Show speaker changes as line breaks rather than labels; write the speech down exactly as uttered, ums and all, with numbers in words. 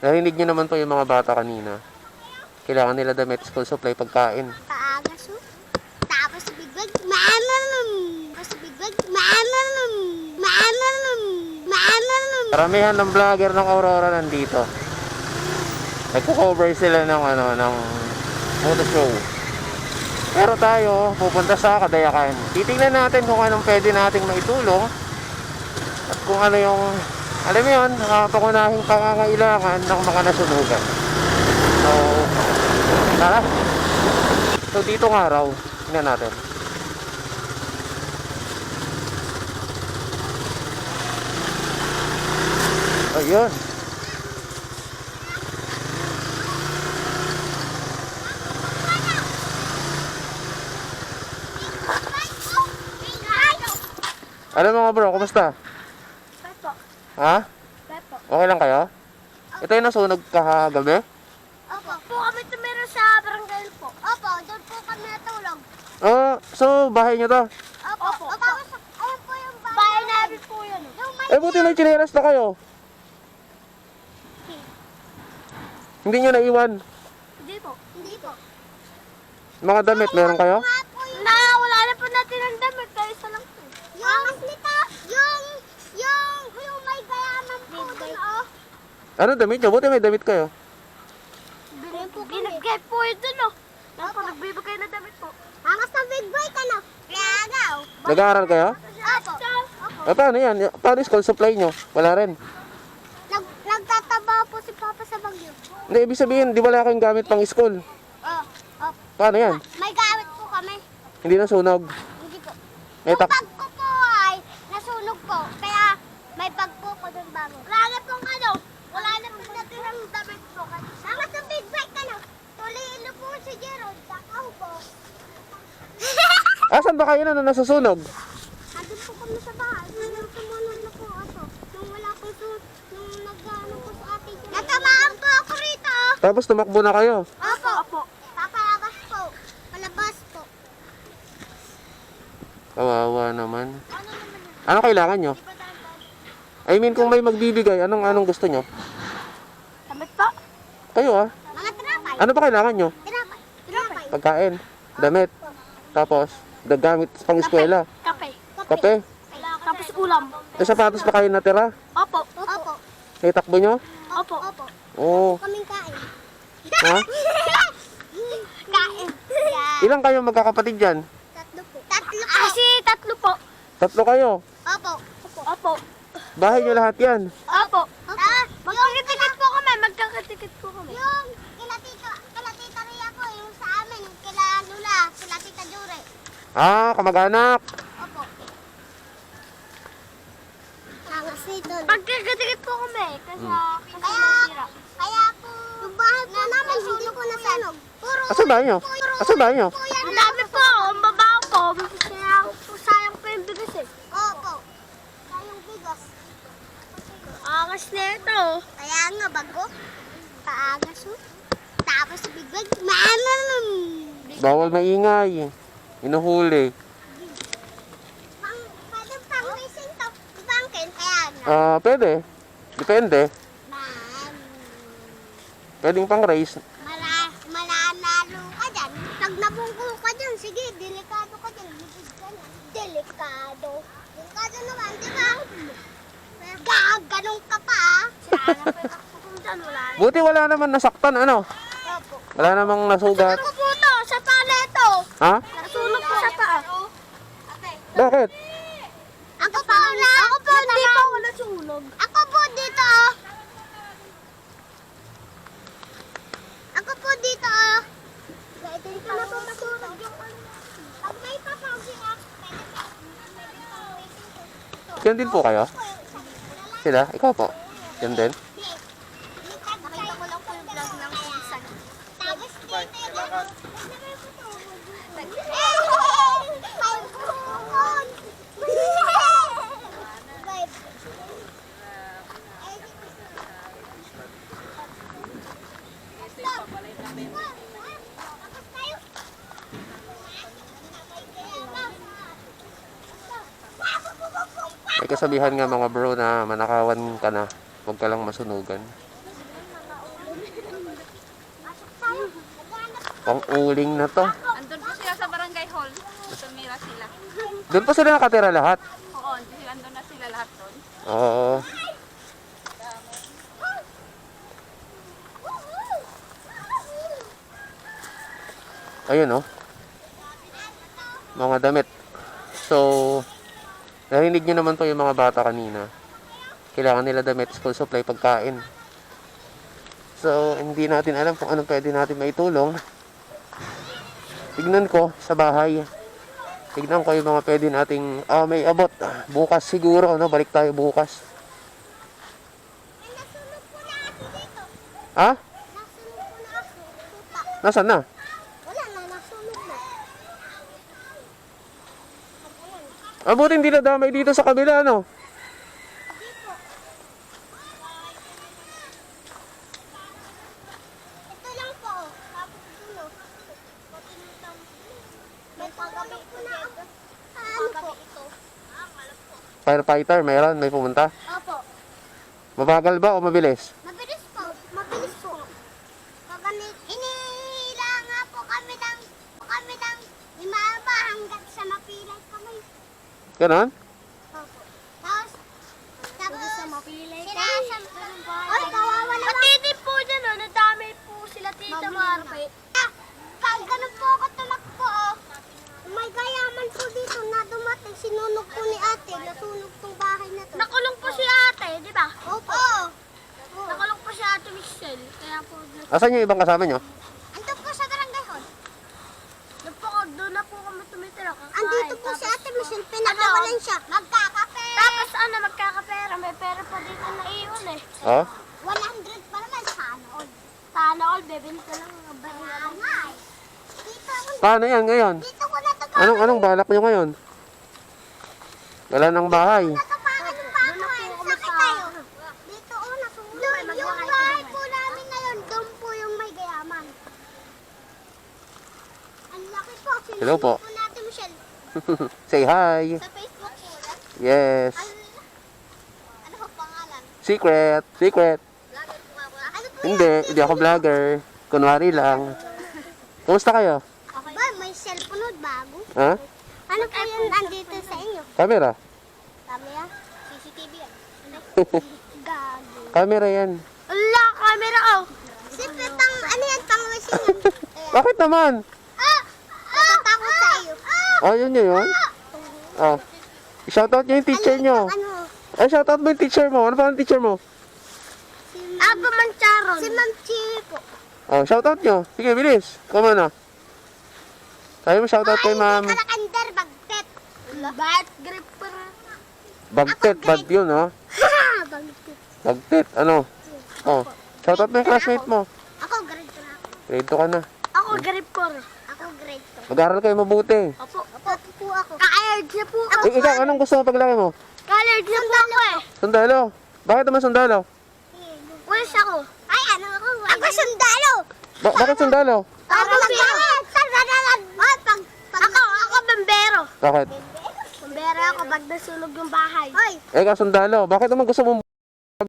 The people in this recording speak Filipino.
Narinig niyo naman po yung mga bata kanina. Kailangan nila damit, school supply, pagkain.
Paaga so. Tapos biglag, maananam. Tapos biglag, maananam. Maananam. Maananam.
Karamihan ng vlogger ng Aurora nandito. Nagko-cover sila ng ano, ng motor show. Pero tayo, pupunta sa Kadayakan. Titingnan natin kung anong pwede nating maitulong. At kung ano yung, alam mo yun, uh, pangunahing pangangailangan ng mga nasunugan. So, tara. So, dito ng araw, tingnan natin. Ayun. Ano mga bro, kumusta?
Pepo.
Ha?
Pepo.
Okay lang kayo? Ito yung nasunog kahagabi?
Opo. Po kami tumira sa barangay po. Opo, doon po kami natulog.
Ah, so bahay nyo to?
Opo. Opo. Tapos, ayun po yung bahay. Bahay namin po yun. Yung may...
Eh buti may tsinelas na kayo. Hindi nyo naiwan.
Hindi po. Hindi po.
Mga damit, meron kayo?
Na, wala na po natin ang damit. Kaya isa lang po. Yung, nito, yung, yung, yung may gayaman po doon, oh.
Ano damit nyo? Buti may damit kayo.
Binigay po ito, no? Opo. Nagbibigay na damit po. Angas na big boy ka, no? Lagaw.
Nag-aaral kayo?
Opo. Opo.
Eh paano yan? Paano school supply nyo? Wala rin.
Nag, nagtataba po si Papa sa bagyo.
Hindi, ibig sabihin, di wala kayong gamit pang school.
Oh, oh.
Paano yan?
May gamit po kami.
Hindi nasunog.
Hindi po.
May
Yung
tak...
bag ko po ay nasunog po. Kaya may bag po ko doon bago. Wala na pong ano. Wala na pong natirang damit po. Angas na big bike ka, no? Tuliin po si Gerald. Takaw po.
Asan ba kayo na na nasusunog?
Andun po kami sa bahay. Nung tumunod na po ako. Nung wala po to, nung nag-ano po sa ating... Natamaan po ako rito.
Tapos tumakbo na kayo.
Opo. Opo. Papalabas po. Palabas po.
Kawawa naman.
Ano naman yun?
Ano kailangan nyo?
Di ba dahan-dahan?
I mean, kung may magbibigay, anong anong gusto nyo?
Damit po.
Kayo ah.
Mga tinapay.
Ano ba kailangan nyo?
Tinapay. Tinapay.
Pagkain, damit, tapos dagamit pang eskwela,
Kape.
kape.
Tapos ulam.
May sapatos pa kayo natira?
Opo. Opo.
May takbo nyo?
Opo. Opo.
Oo.
Kaming kain.
Ha?
Kain.
Ilang kayo magkakapatid dyan?
Tatlo po. Tatlo po. Kasi tatlo po.
Tatlo kayo.
Opo. Opo.
Bahay nyo lahat yan.
Opo. Ah, magkakatikit po kami. Magkakatikit po kami. Yung kila tita, kila tita Ria po, yung sa amin, yung kila Lula, kila tita Jure.
Ah, kamag-anak.
Opo. Angas nito. Magkakatikit po kami. Kasi kaya, kaya po, yung bahay po namin, hindi po nasanog. Puro,
Asan bahay nyo? Asan bahay nyo?
ang dami po, ang babaw po. Kaya po, sayang po yung bigas eh. Opo. Sayang bigas. Angas na ito. Kaya nga, bago. Kaagas oh. Tapos biglag, maanam.
Bawal maingay. Inuhuli.
Pang, pwede pang racing to. Bangkin, kaya nga.
Ah, pwede. Depende.
Man,
Pwedeng pang race.
mala, malanalo ka dyan. Pag nabungko ka dyan, sige, delikado ka dyan. Lipid ka na. Delikado. Delikado naman, di ba? Gaganong ka pa, ah. Sana pa yung kung dyan, wala na.
Buti wala naman nasaktan, ano?
Opo.
Wala namang nasugat.
Ako po to, sa paleto.
Ha?
Nasunog po sa paa.
Bakit?
Ako po na. Ako po, hindi po ako nasunog. Ako po dito, oh. Ako po dito, oh. Dito na po masunog yung ano. Pag may papawsi ah, pwede pa. Pwede pa waiting ko.
Yan din po kayo? Sila? Ikaw po? Yan din?
Nakita ko lang po yung vlog ng season. Tapos dito yung...
May kasabihan nga mga bro na manakawan ka na, huwag ka lang masunugan. Pang uling na to.
Andun po sila sa barangay hall. Tumira sila.
Doon pa sila nakatira lahat.
Oo, andun na sila lahat doon.
Oo. Ayun oh. Mga damit. So, narinig nyo naman po yung mga bata kanina. Kailangan nila damit, school supply, pagkain. So, hindi natin alam kung anong pwede natin maitulong. Tignan ko sa bahay. Tignan ko yung mga pwede nating, ah, may abot. Bukas siguro, no? Balik tayo bukas.
May nasunog po na aso dito.
Ha?
Nasunog po na aso. Tuta.
Nasaan na?
Wala na, nasunog na.
Ah, buti hindi nadamay dito sa kabila, no?
Dito. Ito lang po. oh. Tapos dulo. May pagabi po na ako. Ano po? Ito.
Firefighter, mayroon, may pumunta.
Opo.
Mabagal ba o mabilis?
Mabilis po. Mabilis po. Kagamit. Inihila nga po kami ng kami ng limaba hanggang sa mapilay kami.
Ganon?
Opo. Tapos, tapos sa mapilay kami. Ay, kawawa naman. Matitip po dyan, oh. Nadami po sila tita Marpe. Pag ganun po ako tumakbo, oh. May gayaman po dito na dumating. Sinunog po ni ate. Nasunog tong bahay na to. Nakulong po si ate, di ba? Opo. Nakulong po si ate Michelle. Kaya po,
Asan yung ibang kasama nyo?
ando po sa barangay hall. Doon po, doon na po kami tumitira. Andito po si ate Michelle. Pinakawalan siya. Magkakapera. Tapos ano, magkakapera. May pera pa dito na iyon eh.
Oh?
one hundred pa naman. Sana all. Sana all, bebenta lang ang barangay. Dito,
Paano yan ngayon?
dito ko na
Anong, anong balak nyo ngayon? Wala ng bahay.
Natapakan yung bahay. Sakit tayo. Dito, oh, nasunog. Doon, yung bahay po namin na yun. Doon po yung may gayaman. Ang laki po.
Hello po.
Sinunog po natin, Michelle.
Say hi.
Sa Facebook po.
Yes.
Ano, ano po pangalan?
Secret. Secret.
Vlogger po nga ba? Ano po
Hindi, hindi ako vlogger. Kunwari lang. Kumusta kayo?
Okay. Ba, may cellphone nun, bago.
Ha?
Ano po yun andito sa inyo?
Camera.
Camera? C C T V yan. Gago.
Camera yan.
Ala, camera oh. Simple pang, ano yan, pang masingan.
Bakit naman?
Ah! Natatakot sa iyo.
Oh, yun yun yun. Oh. Shoutout nyo yung teacher nyo.
Ano?
Ay, shoutout mo yung teacher mo. Ano pa ang teacher mo?
Si Aba Mancharon. Si Ma'am Chiri po.
Oh, shoutout nyo. Sige, bilis. Come on na. Sabi mo shoutout kay ma'am.
Ay, kalakander, bagtet. Bat gripper.
Bagtet, bad yun, ha?
Ha! Bagtet.
Bagtet, ano? Oh, shoutout mo yung classmate mo.
Ako, grade two na ako.
Grade two ka na.
Ako, grade four. Ako, grade two.
Mag-aral kayo mabuti.
Opo. Opo po ako. Ka-aired na po ako.
Eh, ikaw, anong gusto mo paglaki mo?
Ka-aired na po ako eh.
Sundalo. Bakit naman sundalo?
Pulis ako. Ay, ano ako? Ako sundalo.
Ba- bakit sundalo?
Ako bambero. Ay, pag, pag, ako, ako bambero.
Bakit?
Bambero ako pag nasunog yung bahay. Hoy,
Eh, ikaw sundalo. Bakit naman gusto mo